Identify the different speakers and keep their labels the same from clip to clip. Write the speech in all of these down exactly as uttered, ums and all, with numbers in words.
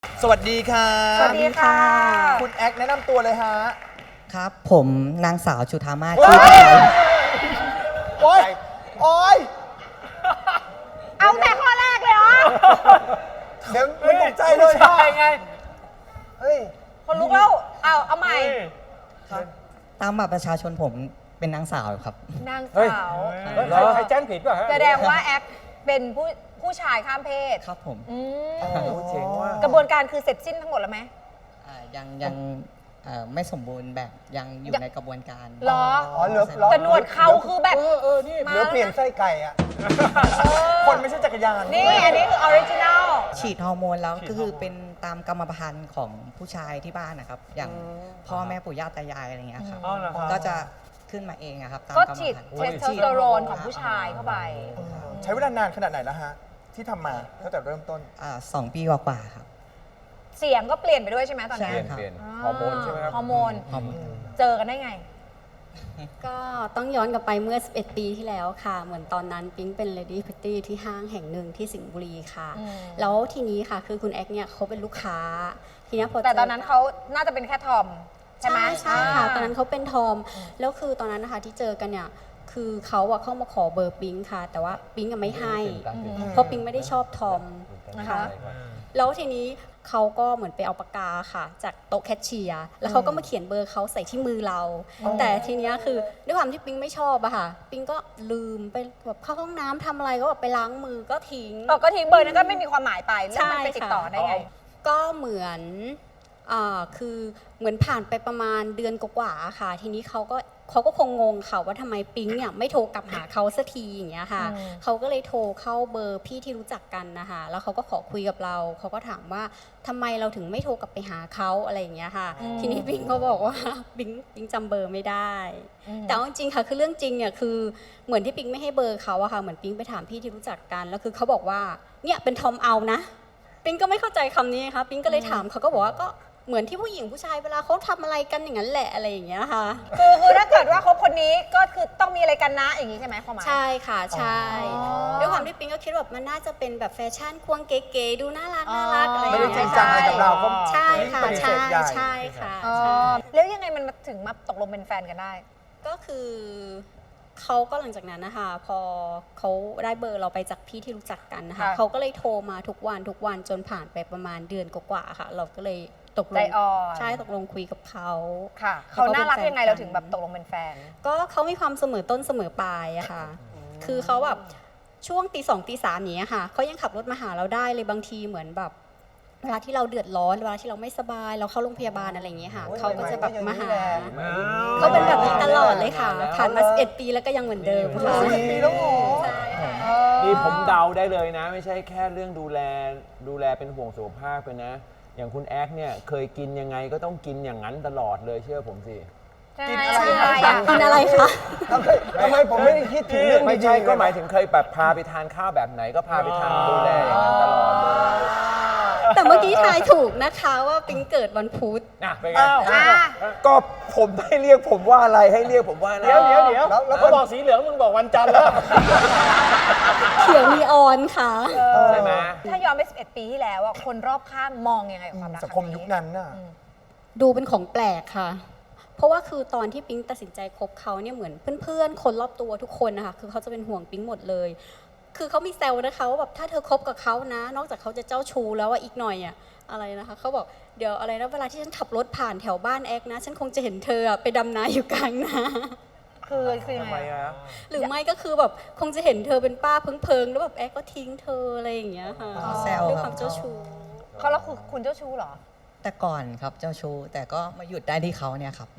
Speaker 1: สวัสดีค่ะ
Speaker 2: สวัสดีค่ะ
Speaker 1: คุณแอคแนะนำตัวเลยฮะ
Speaker 3: ครับ ผมนางสาวจุธามาศ
Speaker 1: โอ๊
Speaker 3: ชื่
Speaker 1: ย
Speaker 3: อไทย
Speaker 1: โอ๊ยโอ๊ย
Speaker 2: เอาแต่ข้อแรกเลยเหรอ
Speaker 1: เดี๋ยวไม่ตกใจเลย
Speaker 4: ใช่ไง
Speaker 1: เฮ้ย
Speaker 2: คนลุกแล้ว เอาเอาใหม่
Speaker 3: ครับตามบัตรประชาชนผมเป็นนางสาวครับ
Speaker 2: นาง
Speaker 4: เฮ้ย
Speaker 2: สาว
Speaker 4: เฮ้ยใครใครแจ้งผิดป่ะฮะ
Speaker 2: แสดงว่าแอปเป็นผู้ผู้ชายข้ามเพศ
Speaker 3: ครับผม
Speaker 2: อืม
Speaker 4: โอ้โหเจ๋งว่ะ
Speaker 2: กระบวนการคือเสร็จสิ้นทั้งหมดแล้วไหม
Speaker 3: อ่ายังยังเอ่อไม่สมบูรณ์แบบยังอยู่
Speaker 2: ยัง
Speaker 3: ในกระบวนการ
Speaker 2: เหรอ
Speaker 1: อ๋อเหลือเหลือ
Speaker 2: แต่หนวดเขาคือแบบ
Speaker 4: เออเออนี่
Speaker 2: มา
Speaker 1: เหลือเปลี่ยนไส้ไก่อะคนไม่ใช่จักรยาน
Speaker 2: นี่อันนี้คือออริจินัล
Speaker 3: ฉีดฮอร์โมนแล้วก็คือเป็นตามกรรมพันธุ์ของผู้ชายที่บ้านนะครับ อย่างพ่อแม่ปู่ย่าตายายอะไรเงี้ยครับ
Speaker 4: อ๋อเหรอครับ
Speaker 3: ก็จะขึ้นมาเองอะครับตาม
Speaker 2: ก็
Speaker 3: กรรม
Speaker 2: ฉีด
Speaker 3: พันธุ์
Speaker 2: เทสโทสเตอโรนของผู้ชายเข้าไป
Speaker 1: ใช้เวลานานขนาดไหนแล้วฮะ ที่ทำมาตั้งแต่เริ่มต้น
Speaker 3: อ่าสองปีกว่าๆครับ
Speaker 2: เสียงก็เปลี่ยนไปด้วยใช่ไหมตอน
Speaker 3: ใช่
Speaker 2: นี้
Speaker 4: เปลี่ยน
Speaker 3: ครับ
Speaker 4: เปลี่ยนฮอร์โมนใช่ไหมครับ
Speaker 2: ฮอร์โมน
Speaker 3: ฮอร์โมน
Speaker 2: เจอกันได้ไง
Speaker 5: ก็ต้องย้อนกลับไปเมื่อ สิบเอ็ด ปีที่แล้วค่ะ เหมือนตอนนั้นปิ๊งเป็น Lady Pretty ที่ห้างแห่งหนึ่งที่สิงห์บุรีค่ะ
Speaker 2: อืม
Speaker 5: แล้วทีนี้ค่ะคือคุณแอกเนี่ยเขาเป็นลูกค้า ทีเนี้ยพอ
Speaker 2: แต่
Speaker 5: เจ
Speaker 2: ตอนนั้นเขาน่าจะเป็นแค่ทอม ใช่ไหม
Speaker 5: ใช่ค่ะ
Speaker 2: า
Speaker 5: ตอนนั้นเขาเป็นทอม แล้วคือตอนนั้นนะคะที่เจอกันเนี่ย คือเขาอะเข้ามาขอเบอร์ปิ๊งค่ะ แต่ว่าปิ๊งอะไม่ให้ เพราะปิ๊งไม่ได้ชอบทอมนะคะ แล้วทีนี้เขาก็เหมือนไปเอาปากกาค่ะ จากโต๊ะแคชเชียร์แล้วเขาก็มาเขียนเบอร์เขาใส่ที่มือเรา แต่ทีเนี้ยคือด้วยความที่ปิ๊งไม่ชอบอะค่ะ ปิ๊งก็ลืมไปแบบเข้าห้องน้ำทำอะไรก็แบบไปล้างมือก็ทิ้ง
Speaker 2: เออก็ทิ้งเบอร์นั้นก็ไม่มีความหมายไปแล้วมันไปติดต่อได้ไง
Speaker 5: ก็เหมือนอ่าคือเหมือนผ่านไปประมาณเดือนกว่าๆค่ะ ทีนี้เขาก็เขาก็คงงงค่ะว่าทำไมปิ๊งเนี่ยไม่โทรกลับหาเขาสักทีอย่างเงี้ยค่ะ
Speaker 2: อืม
Speaker 5: เขาก็เลยโทรเข้าเบอร์พี่ที่รู้จักกันนะคะแล้วเขาก็ขอคุยกับเราเขาก็ถามว่าทำไมเราถึงไม่โทรกลับไปหาเขาอะไรอย่างเงี้ยค่ะ ทีนี้ปิ๊งก็บอกว่า ปิ๊งปิ๊งจำเบอร์ไม่ได้ แต่เอาจริงๆค่ะคือเรื่องจริงเนี่ยคือเหมือนที่ปิ๊งไม่ให้เบอร์เขาอะค่ะเหมือนปิ๊งไปถามพี่ที่รู้จักกันแล้วคือเขาบอกว่าเนี่ยเป็นทอมเอานะ ปิ๊งก็ไม่เข้าใจคำนี้ค่ะปิ๊งก็เลยถามเขาก็บอกว่าก็เหมือนที่ผู้หญิงผู้ชายเวลาเขาทำอะไรกันอย่างนั้นแหละอะไรอย่างเงี้ยค่ะ
Speaker 2: คือคือถ้าเกิดว่าคบคนนี้ก็คือต้องมีอะไรกันนะอย่างนี้ใช่ไหมความหมาย
Speaker 5: ใช่ค่ะใช่
Speaker 2: อ๋อ
Speaker 5: ด้วยความที่ปิ๊งก็คิดว่ามันน่าจะเป็นแบบแฟชั่นควงเก๋ๆดูน่ารัก
Speaker 2: อ๋อ
Speaker 5: น่ารักอะไรอ
Speaker 1: ไม่
Speaker 5: ย่าง
Speaker 1: ได้จริ
Speaker 5: เงี้
Speaker 1: ง
Speaker 5: ย
Speaker 1: จังอะไรกับเราก็
Speaker 5: ใช่ค่ะ
Speaker 1: ปฏิเส
Speaker 5: ใช่
Speaker 1: ธใหญ่
Speaker 5: ใช่ค่ะ
Speaker 2: อ๋อ
Speaker 5: ใช่
Speaker 2: แล้วยังไงมันมาถึงมาตกลงเป็นแฟนกันได้
Speaker 5: ก็คือเขาก็หลังจากนั้นนะคะพอเขาได้เบอร์เราไปจากพี่ที่รู้จักกันนะคะ
Speaker 2: ค่ะ
Speaker 5: เขาก็เลยโทรมาทุกวันทุกวันจนผ่านไปประมาณเดือนกว่าๆค่ะ เราก็เลยตกล
Speaker 2: ใจ
Speaker 5: ง
Speaker 2: อ่อน
Speaker 5: ใช่ตกลงคุยกับเขา
Speaker 2: ค่ะ เขาน่ารักยังไงเราถึงแบบตกลงเป็นแฟน
Speaker 5: ก็เขามีความเสมอต้นเสมอปลายอะค่ะ คือเขาแบบช่วงตีสองตีสามอย่างเนี้ยค่ะเขายังขับรถมาหาเราได้เลยบางทีเหมือนแบบเวลาที่เราเดือดร้อนเวลาที่เราไม่สบายเราเข้าโรงพยาบาลอะไรอย่างเงี้ยค่ะ
Speaker 1: โอ้ย
Speaker 5: เขาก็จะแบบมาหา
Speaker 1: ใหม่ๆ
Speaker 5: เขาเป็นแบบนี้ตลอดเลยค่ะ ผ่านมาสิบเอ็ดปีแล้วก็ยังเหมือนเดิมค่ะ
Speaker 1: สิบเอ็ดปีแล้วเหรอ
Speaker 5: ใช่ค่ะ
Speaker 4: นี่ผมเดาได้เลยนะ ไม่ใช่แค่เรื่องดูแลดูแลเป็นห่วงสุขภาพเลยนะ อย่างคุณแอ๊กเนี่ยเคยกินยังไงก็ต้องกินอย่างนั้นตลอดเลยเชื่อผมสิ
Speaker 2: ใช่
Speaker 1: กิน
Speaker 2: ใช่
Speaker 1: อะไร
Speaker 2: อะ
Speaker 5: กินอะไรคะ
Speaker 1: ทำไมทำไมผมไม่ได้คิดถึงเรื่อง
Speaker 4: ไม่ใช่
Speaker 1: ดีๆ
Speaker 4: ก็หมายถึงเคยแบบพาไปทานข้าวแบบไหนก็พาไปทานดูแลอย่างนั้นตลอดเลย
Speaker 5: แต่เมื่อกี้ทายถูกนะคะว่าปิ๊งเกิดวันพุธ
Speaker 4: นะเป็นไง
Speaker 1: อ้าว
Speaker 2: อ่ะ
Speaker 4: ก็ผมให้เรียกผมว่าอะไรให้เรียกผมว่าอะไร
Speaker 6: เดี๋ยวเดี๋ยวเดี๋ยว
Speaker 1: แล้วแล้ว
Speaker 6: เขาบอกสีเหลืองมึงบอกวันจันทร์แล้ว
Speaker 5: เขียวนีออนค่ะ
Speaker 4: ใช่ไหม
Speaker 2: ถ้าย้อนไปสิบเอ็ดปีที่แล้วอะคนรอบข้างมองยังไงกับความรัก
Speaker 1: สังคมยุคนั้นน่ะ
Speaker 5: ดูเป็นของแปลกค่ะ เพราะว่าคือตอนที่ปิ๊งตัดสินใจคบเขาเนี่ยเหมือนเพื่อนๆ คนรอบตัวทุกคนนะคะคือเขาจะเป็นห่วงปิ๊งหมดเลย คือเขามีแซวนะคะว่าแบบถ้าเธอคบกับเขานะ นอกจากเขาจะเจ้าชู้แล้วว่าอีกหน่อยอะอะไรนะคะเขาบอกเดี๋ยวอะไรนะเวลาที่ฉันขับรถผ่านแถวบ้านแอกนะ ฉันคงจะเห็นเธออะไปดำนาอยู่กลางนา
Speaker 2: คือคือยัง
Speaker 4: ทำไม
Speaker 2: ไง
Speaker 4: อะ
Speaker 5: หรือไม่ก็คือแบบคงจะเห็นเธอเป็นป้าเพิงๆแล้วแบบแอกก็ทิ้งเธออะไรอย่างเงี้ยค่ะ
Speaker 3: อ๋อแซว
Speaker 5: ด้วย
Speaker 3: ครับ
Speaker 5: ความเจ้าชู้
Speaker 2: เขาแล้วคือคุณเจ้าชู้เหรอ
Speaker 3: แต่ก่อนครับเจ้าชู้แต่ก็มาหยุดได้ที่เขาเนี่ยครับ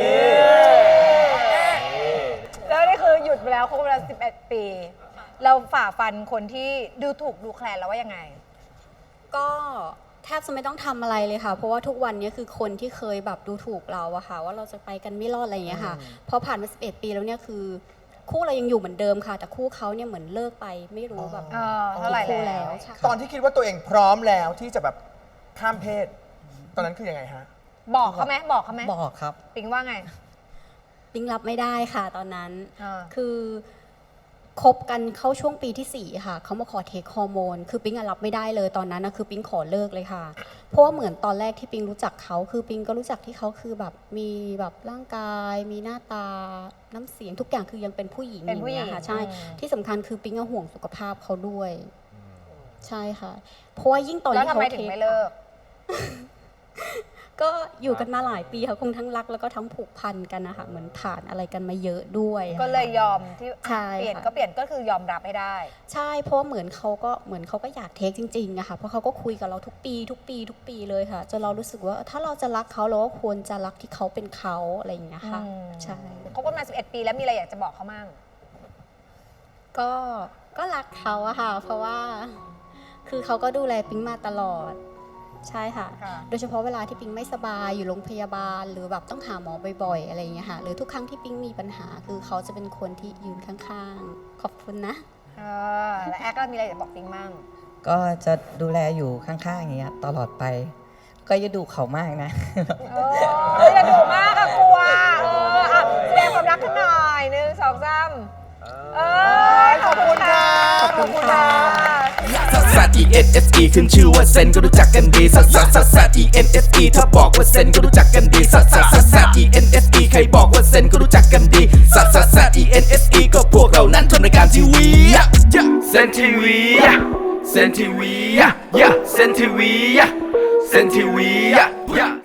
Speaker 2: แล้วนี่คือหยุดไปแล้วคบกันมาสิบเอ็ดปี เราฝ่าฟันคนที่ดูถูกดูแคลนแล้วว่ายังไง
Speaker 5: ก็แทบจะไม่ต้องทำอะไรเลยค่ะ เพราะว่าทุกวันนี้คือคนที่เคยแบบดูถูกเราอะค่ะ ว่าเราจะไปกันไม่รอดอะไรอย่างเงี้ยค่ะพอผ่านมาสิบเอ็ดปีแล้วเนี่ยคือคู่เรายังอยู่เหมือนเดิมค่ะ แต่คู่เขาเนี่ยเหมือนเลิกไปไม่รู้แบบ
Speaker 2: เออเท่าไหร่
Speaker 5: คู่
Speaker 2: แล้ว
Speaker 5: ใช่
Speaker 1: ตอนที่คิดว่าตัวเองพร้อมแล้วที่จะแบบข้ามเพศ ตอนนั้นคือยังไงฮะ
Speaker 2: บอกเขาไหมบอกเขาไหม
Speaker 3: บอกครับ
Speaker 2: ปิงว่าไง
Speaker 5: ปิ๊งรับไม่ได้ค่ะตอนนั้น
Speaker 2: อ่า
Speaker 5: คือคบกันเข้าช่วงปีที่สี่ค่ะเขามาขอเทคฮอร์โมนคือปิ๊งอะรับไม่ได้เลยตอนนั้นนะคือปิ๊งขอเลิกเลยค่ะ เพราะว่าเหมือนตอนแรกที่ปิ๊งรู้จักเขาคือปิ๊งก็รู้จักที่เขาคือแบบมีแบบร่างกาย มีหน้าตาน้ำเสียงทุกอย่างคือยังเป็นผู้หญิง
Speaker 2: เป็นผู้หญิง
Speaker 5: อย่างงี้ยค่ะใช่
Speaker 2: อืม
Speaker 5: ที่สำคัญคือปิ๊งก็ห่วงสุขภาพเขาด้วย ใช่ค่ะ เพราะว่ายิ่งตอน
Speaker 2: แล้ว
Speaker 5: ที่
Speaker 2: ทำ
Speaker 5: เขา
Speaker 2: ไมถึงไม่เลิก
Speaker 5: ก็อยู่กันมาหลายปีค่ะคงทั้งรักแล้วก็ทั้งผูกพันกันนะคะเหมือนผ่านอะไรกันมาเยอะด้วยอะ
Speaker 2: ก็เลยยอมที่
Speaker 5: ใช่
Speaker 2: เปลี่ยน
Speaker 5: ค่ะ
Speaker 2: ก็เปลี่ยนก็คือยอมรับให้ได้
Speaker 5: ใช่เพราะว่าเหมือนเขาก็เหมือนเขาก็อยากเทคจริงๆอะค่ะเพราะเขาก็คุยกับเราทุกปี ทุกปี ทุกปีเลยค่ะจนเรารู้สึกว่าถ้าเราจะรักเขาเราก็ควรจะรักที่เขาเป็นเขาอะไรอย่างเงี้ยค่ะ
Speaker 2: อืม
Speaker 5: ใช่
Speaker 2: คบกันมาสิบเอ็ดปีแล้วมีอะไรอยากจะบอกเขามั่ง
Speaker 5: ก็ก็รักเขาอะค่ะ เพราะว่า คือเขาก็ดูแลปิ๊งมาตลอด ใช่ค่ะ
Speaker 2: ค่ะ
Speaker 5: โดยเฉพาะเวลาที่ปิ๊งไม่สบายอยู่โรงพยาบาล หรือแบบต้องหาหมอบ่อยๆอะไรอย่างเงี้ยค่ะหรือทุกครั้งที่ปิ๊งมีปัญหา คือเขาจะเป็นคนที่ยืนข้างๆ ขอบคุณนะ
Speaker 2: เออแล้วแอคก็มีอะไรอยากบอกปิงมั่ง
Speaker 3: ก็จะดูแลอยู่ข้างๆอย่างเงี้ยตลอดไป ก็อย่าดูเขามากนะ
Speaker 2: เอออย่าดุมากอะกลัว เอออ่ะแสดงความรักกันหน่อยหนึ่งสองสามเออขอบคุณค่ะ ขอบคุณค่ะ
Speaker 7: ซัสซัส E N S E ขึ้นชื่อว่าเซนก็รู้จักกันดีซัสซัสซัสซัส E N S E ถ้าบอกว่าเซนก็รู้จักกันดีซัสซัสซัสซัส E N S E ใครบอกว่าเซนก็รู้จักกันดีซัสซัสซัส E N S E ก็พวกเรานั้นทำรายการทีวีเซนทีวีเซนทีวีเซนทีวีเซนทีวี